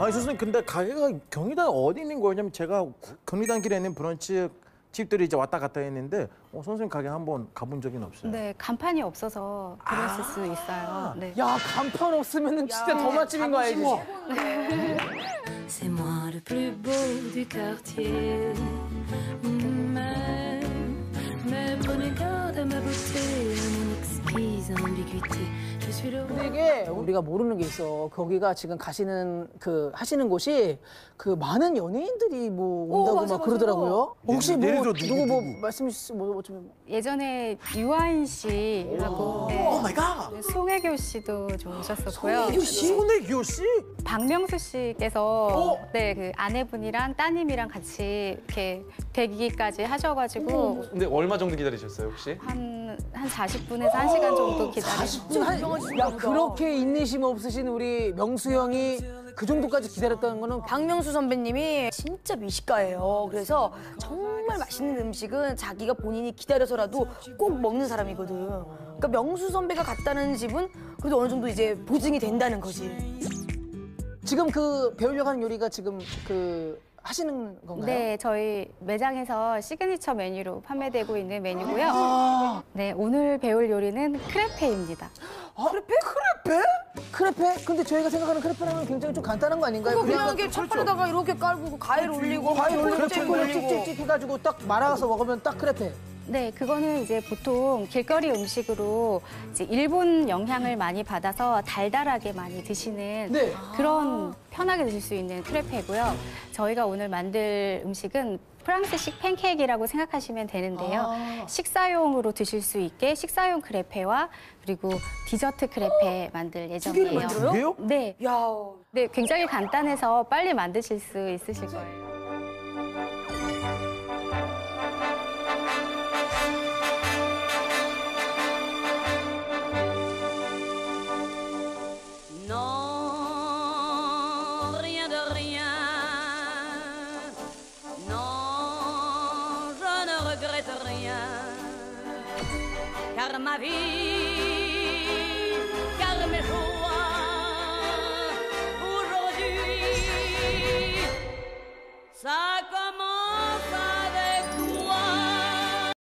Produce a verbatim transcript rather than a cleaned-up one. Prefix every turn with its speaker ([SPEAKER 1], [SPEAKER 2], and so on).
[SPEAKER 1] 아니 선생님 근데 가게가 경리단 어디 있는 거냐면 제가 경리단 길에 있는 브런치 집들이 이제 왔다 갔다 했는데 어, 선생님 가게 한번 가본 적은 없어요.
[SPEAKER 2] 네, 간판이 없어서 그랬을 수 있어요. 네.
[SPEAKER 3] 야, 간판 없으면 진짜 더 맛집인 거 알지?
[SPEAKER 4] C'est moi le plus beau du quartier. Mais, mais prenez garde à ma beauté, à mon exquise ambiguïté. Je suis le
[SPEAKER 3] 근데 이게 우리가 모르는 게 있어. 거기가 지금 가시는 그 하시는 곳이 그 많은 연예인들이 뭐 온다고
[SPEAKER 5] 맞아,
[SPEAKER 3] 막
[SPEAKER 5] 맞아.
[SPEAKER 3] 그러더라고요. 혹시 뭐
[SPEAKER 1] 예를 들어
[SPEAKER 3] 누구,
[SPEAKER 1] 누구,
[SPEAKER 3] 뭐
[SPEAKER 1] 누구?
[SPEAKER 3] 말씀 주시 뭐 좀.
[SPEAKER 2] 예전에 유아인 씨하고 네,
[SPEAKER 1] 오 마이 갓.
[SPEAKER 2] 송혜교 씨도 좀 오셨었고요.
[SPEAKER 1] 손혜교 씨?
[SPEAKER 2] 박명수 씨께서 네, 그 아내분이랑 따님이랑 같이 이렇게 대기까지 하셔가지고
[SPEAKER 6] 근데 얼마 정도 기다리셨어요 혹시?
[SPEAKER 2] 한, 한 사십 분에서 한 시간 정도 기다리고
[SPEAKER 3] 지금 한, 야 그렇게 인내심 없으신 우리 명수 형이 그 정도까지 기다렸다는 거는
[SPEAKER 5] 박명수 선배님이 진짜 미식가예요. 그래서 정말 맛있는 음식은 자기가 본인이 기다려서라도 꼭 먹는 사람이거든. 그러니까 명수 선배가 갔다는 집은 그래도 어느 정도 이제 보증이 된다는 거지.
[SPEAKER 3] 지금 그 배우려고 하는 요리가 지금 그 하시는 건가요?
[SPEAKER 2] 네, 저희 매장에서 시그니처 메뉴로 판매되고 있는 메뉴고요.
[SPEAKER 3] 아,
[SPEAKER 2] 네, 오늘 배울 요리는 크레페입니다.
[SPEAKER 3] 아 크레페? 크레페? 크레페? 근데 저희가 생각하는 크레페라면 굉장히 좀 간단한 거 아닌가요?
[SPEAKER 5] 그거 그냥 이렇게 첫판에다가 이렇게 깔고 과일 올리고
[SPEAKER 3] 과일 올리고
[SPEAKER 5] 초콜릿
[SPEAKER 3] 초콜릿
[SPEAKER 5] 올리고.
[SPEAKER 3] 찍찍찍 해가지고 딱 말아서 먹으면 딱 크레페.
[SPEAKER 2] 네, 그거는 이제 보통 길거리 음식으로 이제 일본 영향을 많이 받아서 달달하게 많이 드시는
[SPEAKER 3] 네.
[SPEAKER 2] 그런 편하게 드실 수 있는 크레페고요. 저희가 오늘 만들 음식은 프랑스식 팬케이크라고 생각하시면 되는데요.
[SPEAKER 3] 아.
[SPEAKER 2] 식사용으로 드실 수 있게 식사용 크레페와 그리고 디저트 크레페 만들 예정이에요.
[SPEAKER 5] 만들어요?
[SPEAKER 1] 그게요?
[SPEAKER 2] 네,
[SPEAKER 5] 야,
[SPEAKER 2] 네, 굉장히 간단해서 빨리 만드실 수 있으실 거예요.
[SPEAKER 4] Non, rien de rien. Non, je ne regrette rien. Car ma vie